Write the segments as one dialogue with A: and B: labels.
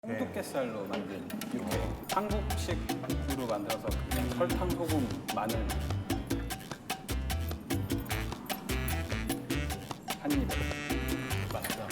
A: 홍두깨살로 만든 육회. 한국식으로 만들어서 그냥 설탕, 소금, 마늘 한 입에.
B: 맞다.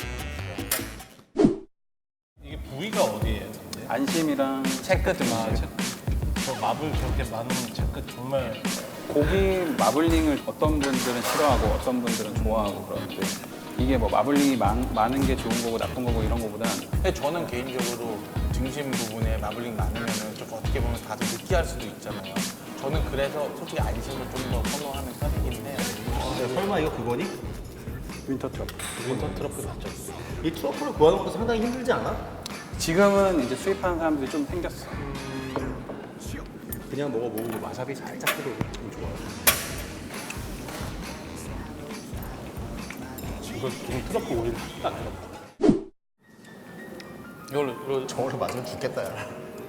B: 이게 부위가 어디예요? 근데?
A: 안심이랑
B: 채끝 저 마블 저렇게 많은 채끝 정말
A: 고기 마블링을 어떤 분들은 싫어하고 어떤 분들은 좋아하고 그러는데 이게 뭐 마블링이 많은 게 좋은 거고 나쁜 거고 이런 거보다는
C: 근데 저는 개인적으로 등심 부분에 마블링 많으면은 좀 어떻게 보면 다들 느끼할 수도 있잖아요. 저는 그래서 솔직히 안심을 좀 더 선호하는 편이긴 해요.
D: 설마 이거 그거니?
A: 윈터 트러플.
C: 윈터 트러플 맞죠?
D: 이 트러플을 구하는 것도 상당히 힘들지 않아?
A: 지금은 이제 수입하는 사람들이 좀 생겼어.
D: 그냥 먹어보고 와사비 살짝 해도 좀 좋아.
B: 이거 좀 트러플 오일 딱 들어가. 이걸로
D: 저걸로 맞으면 죽겠다, 야.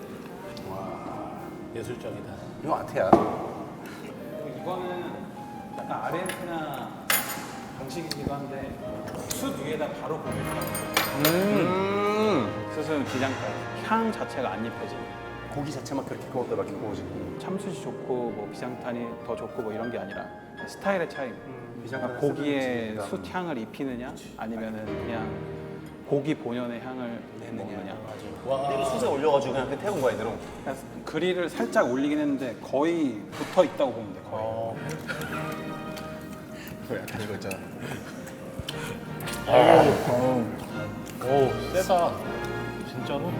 B: 예술적이다.
D: 이거 아태야.
A: 이거는 약간 아르헨티나 방식이기도 한데 숯 위에다 바로 고기를 구워요. 숯은 기장까지 향 자체가 안 입혀지.
D: 고기 자체만 그렇게 구웠다 이렇게 구워지.
A: 참숯이 좋고 뭐 비장탄이 더 좋고 뭐 이런 게 아니라 스타일의 차이.
D: 비장탄을
A: 고기에
D: 쓰는
A: 숯 향을 입히느냐 아니면은 그냥 고기 본연의 향을 내느냐.
D: 이거 숯에 올려가지고 그냥 태운 거야, 이대로.
A: 그러니까 그릴을 살짝 올리긴 했는데 거의 붙어 있다고 보면 돼. 거의.
D: 그거 약간 이거 있잖아.
B: 오 세다. 진짜로?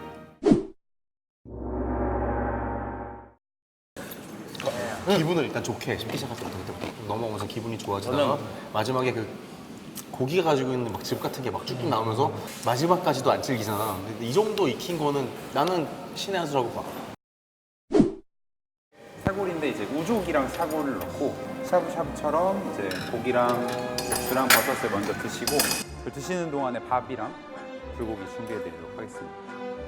D: 기분을 일단 좋게 쉽게 시작하서 그때부터 넘어오면서 기분이 좋아지다가 마지막에 그 고기가 가지고 있는 막 즙 같은 게 막 쭉쭉 나오면서 마지막까지도 안 질기잖아. 근데 이 정도 익힌 거는 나는 신의 한 수라고 봐.
A: 사골인데 이제 우족이랑 사골을 넣고 샤브샤브처럼 이제 고기랑 고추랑 버섯을 먼저 드시고 그 드시는 동안에 밥이랑 불고기 준비해드리도록 하겠습니다.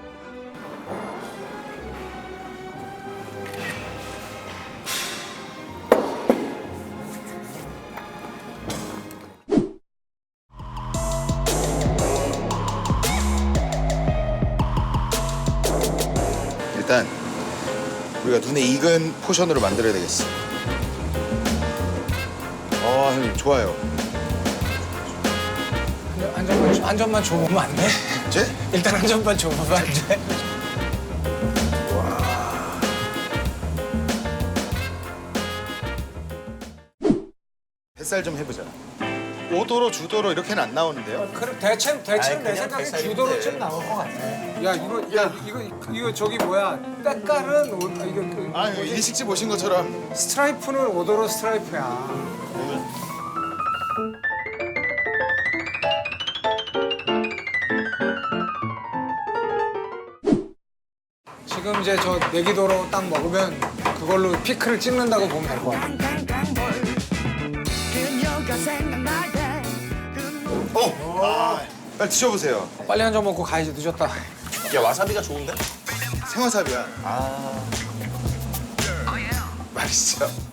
E: 일단 우리가 눈에 익은 포션으로 만들어야 되겠어. 형님 좋아요.
C: 한 점만 줘보면 안 돼?
E: 제?
C: 일단 한 점만 줘보면 안 돼?
E: 햇살 좀 해보자. 5도로 주도로 이렇게는 안 나오는데요?
F: 그럼 대체는 내 생각에 주도로쯤 나올 것 같아. 야 이거 저기 뭐야 때깔은 이거
E: 이거 일식집 오신 것처럼.
F: 스트라이프는 오도로 스트라이프야. 지금 이제 저 내기도로 딱 먹으면 그걸로 피크를 찍는다고 보면 될 것 같아.
E: 빨리 드셔보세요.
F: 빨리 한 잔 먹고 가야지 늦었다.
D: 야, 와사비가 좋은데?
E: 생와사비야. 맛있죠?